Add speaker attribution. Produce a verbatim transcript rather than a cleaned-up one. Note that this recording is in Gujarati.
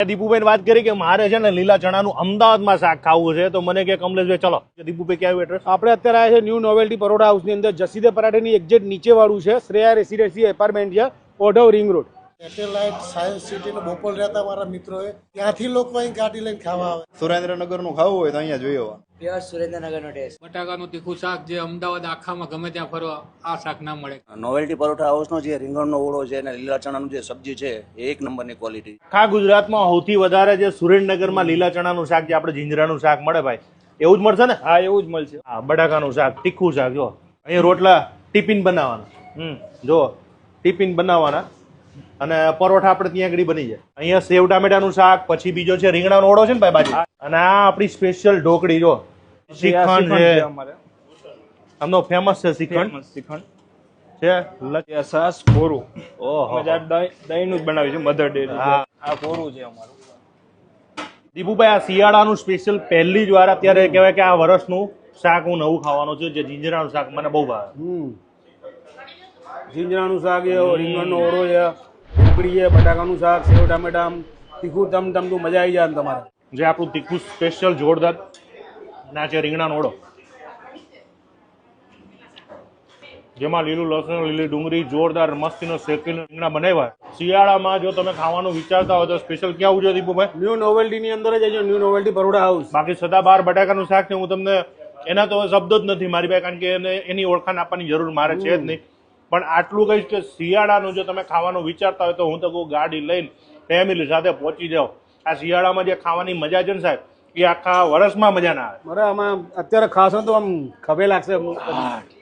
Speaker 1: દીપુભાઈ વાત કરી કે મારે છે ને લીલા ચણાનું અમદાવાદમાં શાક ખાવું છે તો મને કે કમલેશભાઈ ચલો દીપુભાઈ ક્યાં એડ્રેસ
Speaker 2: આપણે અત્યારે આવ્યા છે ન્યૂ નોવેલ્ટી પરોઠા હાઉસની અંદર જસીદે પરાઠેની એક્ઝેક્ટ નીચે વાળું છે શ્રેયા રેસિડેન્સી એપાર્ટમેન્ટ છે Odhav ring road
Speaker 3: Satellite Science સિટીનો બોપલ રહેતા મારા મિત્રોએ ત્યાંથી લોકો અહીં ગાડી લઈને ખાવા આવે.
Speaker 4: સુરેન્દ્રનગરનું ખાવું હોય તો અહીંયા જોઈ આવવાનું.
Speaker 5: પ્યોર સુરેન્દ્રનગરનો ટેસ્ટ.
Speaker 6: બટાકાનું તીખું શાક જે અમદાવાદ આખામાં ગમે ત્યાં ફરવા આ શાક ના મળે.
Speaker 7: નોવેલ્ટી પરોઠા હાઉસનો જે રીંગણનો ઓળો છે અને લીલા ચણાનું જે સબ્જી છે એ એક નંબરની ક્વોલિટી.
Speaker 1: આખા ગુજરાતમાં સૌથી વધારે જે સુરેન્દ્રનગરમાં લીલા ચણાનું શાક જે આપણે જીંજરાનું શાક મળે ભાઈ એવું જ મળશે ને?
Speaker 2: હા એવું જ મળશે.
Speaker 1: હા બટાકાનું શાક તીખું શાક જો અહીંયા રોટલા ટિફિન બનાવવાના હમ જો ટિફિન બનાવવાના અને પરોઠા આપણે ત્યાં આગળ બની જાય. અહીંયા સેવ ટામેટાનું શાક પછી બીજો છે રીંગણાનો ઓળો છે ને ભાઈ બાજુ અને આ આપણી સ્પેશિયલ ઢોકળી જો શ્રીખંડ છે આમનો ફેમસ છે શ્રીખંડ
Speaker 8: શ્રીખંડ
Speaker 1: છે
Speaker 8: સાસ કોરું
Speaker 1: ઓહો
Speaker 8: દહીં નું જ બનાવ્યું છે મધર ડેરી.
Speaker 1: હા
Speaker 8: આ કોરું છે અમારું.
Speaker 1: દીપુભાઈ આ શિયાળાનું સ્પેશિયલ પહેલી જ વાર અત્યારે કહેવાય કે આ વર્ષનું શાક હું નવું ખાવાનું છું જે જીંજરાનું શાક મને બહુ ભાવે.
Speaker 2: હમ જીંજરાનું શાક છે રીંગણનો ઓળો છે ઢોકળી છે બટાકાનું શાક સેવ ટામેટા આમ તીખું તમ તમ તો મજા આવી જાય ને તમારે.
Speaker 1: જે આપણું તીખું સ્પેશિયલ જોરદાર ના છે રીંગણાનો ઓળો જેમાં લીલું લસણ લીલી ડુંગળી જોરદાર મસ્તીનો શેકીને રીંગણા બનાવ્યા. શિયાળામાં જો તમે ખાવાનું વિચારતા હોય તો સ્પેશિયલ ક્યાં આવજો દીપુભાઈ?
Speaker 2: ન્યૂ નોવેલ્ટીની અંદર જ છે ન્યૂ નોવેલ્ટી પરોઠા હાઉસ.
Speaker 1: બાકી સદાબહાર બટાકાનું શાક છે હું તમને એના તો શબ્દો જ નથી મારી પાસે કારણ કે એને એની ઓળખાણ આપવાની જરૂર મારે છે જ નહીં પણ આટલું કહીશ કે શિયાળાનું જો તમે ખાવાનું વિચારતા હોય તો હું તો કહું ગાડી લઈને ફેમિલી સાથે પહોંચી જાઓ. આ શિયાળામાં જે ખાવાની મજા છે ને સાહેબ એ આખા વર્ષમાં મજા ના આવે.
Speaker 2: બરાબર આમાં અત્યારે ખાશો તો આમ ખભે લાગશે.